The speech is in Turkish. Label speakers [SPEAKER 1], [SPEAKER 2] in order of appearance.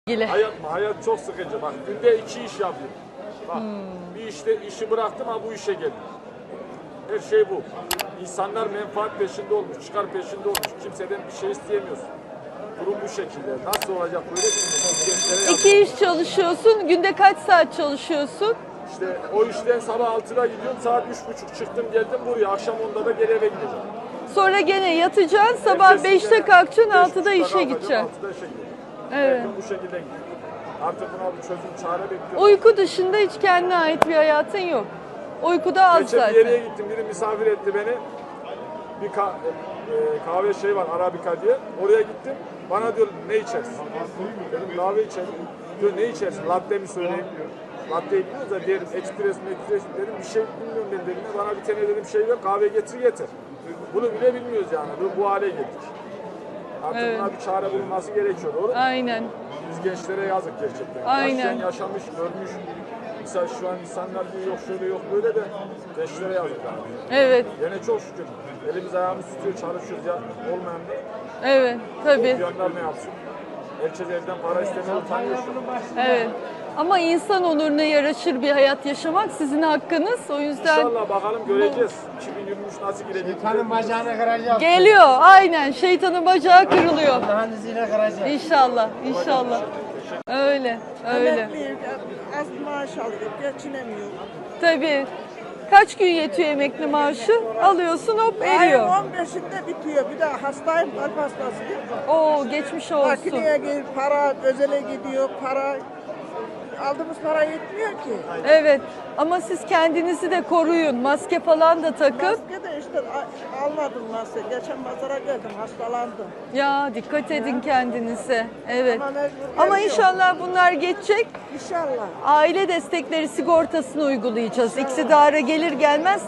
[SPEAKER 1] ilgili.
[SPEAKER 2] Hayat çok sıkıcı. Bak günde 2 iş yapıyorum. Bak bir işte işi bıraktım ama bu işe geldim. Her şey bu. İnsanlar menfaat peşinde olmuş, çıkar peşinde olmuş. Kimseden bir şey isteyemiyorsun. Durum bu şekilde. Nasıl olacak böyle bilmiyorum.
[SPEAKER 1] İki iş çalışıyorsun. Günde kaç saat çalışıyorsun?
[SPEAKER 2] İşte o işten sabah 6'da gidiyorum. Saat 3.30 çıktım geldim buraya. Akşam 10'da da geri eve gideceğim.
[SPEAKER 1] Sonra gene yatacaksın. Sabah 5'te kalkacaksın. 6'da işe
[SPEAKER 2] 5.30'da
[SPEAKER 1] gideceksin.
[SPEAKER 2] 6'da işe gideceğim.
[SPEAKER 1] Evet.
[SPEAKER 2] Her gün bu şekilde gidiyorum. Artık buna bir çözüm çare bekliyorum.
[SPEAKER 1] Uyku dışında hiç kendine ait bir hayatın yok. Uykuda az
[SPEAKER 2] Geçen
[SPEAKER 1] zaten.
[SPEAKER 2] bir yere gittim. Biri misafir etti beni. Bir kahve şey var Arabika diye. Oraya gittim. Bana diyor ne içersin? Dedim kahve içerim. Diyor ne içersin? Latte mi söyleyeyim? Latte bilmiyoruz da derim ekspres mi dedim. Bir şey bilmiyorum ben dedim. Bana bir tane dedim şey ver kahve getir. Bunu bile bilmiyoruz yani. Bu hale geldik. Artık
[SPEAKER 1] Evet.
[SPEAKER 2] buna bir çare bulunması gerekiyor. Doğru mu?
[SPEAKER 1] Aynen.
[SPEAKER 2] Biz gençlere yazık gerçekten.
[SPEAKER 1] Aynen.
[SPEAKER 2] Yaşayan yaşamış, görmüş. Mesela şu an insanlar diyor yok şöyle yok böyle de gençlere yazık yani.
[SPEAKER 1] Evet.
[SPEAKER 2] Yine çok şükür. Elimiz ayağımız tutuyor, çalışıyoruz ya. Olmayan da
[SPEAKER 1] Evet. Tabii.
[SPEAKER 2] okuyanlar ne yapsın? Herkes evden para istemeye utanıyor şu an.
[SPEAKER 1] Evet. Ama insan onuruna yaraşır bir hayat yaşamak sizin hakkınız. O yüzden
[SPEAKER 2] İnşallah bakalım göreceğiz. 2023 nasıl girecek?
[SPEAKER 3] Şeytanın bacağını kıracağız.
[SPEAKER 1] geliyor. Aynen. Şeytanın bacağı kırılıyor.
[SPEAKER 3] Allah'ın izniyle kıracağız.
[SPEAKER 1] İnşallah. İnşallah. Öyle. Öyle.
[SPEAKER 4] Emekliyim, az maaş alıyor, geçinemiyor.
[SPEAKER 1] Tabii. Kaç gün yetiyor emekli maaşı? Alıyorsun hop
[SPEAKER 4] Ayın
[SPEAKER 1] eriyor.
[SPEAKER 4] 15'inde bitiyor. Bir de hastayım, kalp hastasıyım.
[SPEAKER 1] Oo geçmiş olsun.
[SPEAKER 4] Makineye gir, para özele gidiyor, para aldığımız para yetmiyor ki.
[SPEAKER 1] Evet ama siz kendinizi de koruyun. Maske falan da takın.
[SPEAKER 4] Maske de işte almadım maske. Geçen pazara geldim, hastalandım.
[SPEAKER 1] Ya dikkat edin kendinize. Evet.
[SPEAKER 4] Ama mecbur
[SPEAKER 1] Ama
[SPEAKER 4] geliyor.
[SPEAKER 1] inşallah bunlar geçecek.
[SPEAKER 4] İnşallah.
[SPEAKER 1] Aile destekleri sigortasını uygulayacağız. İktidara gelir gelmez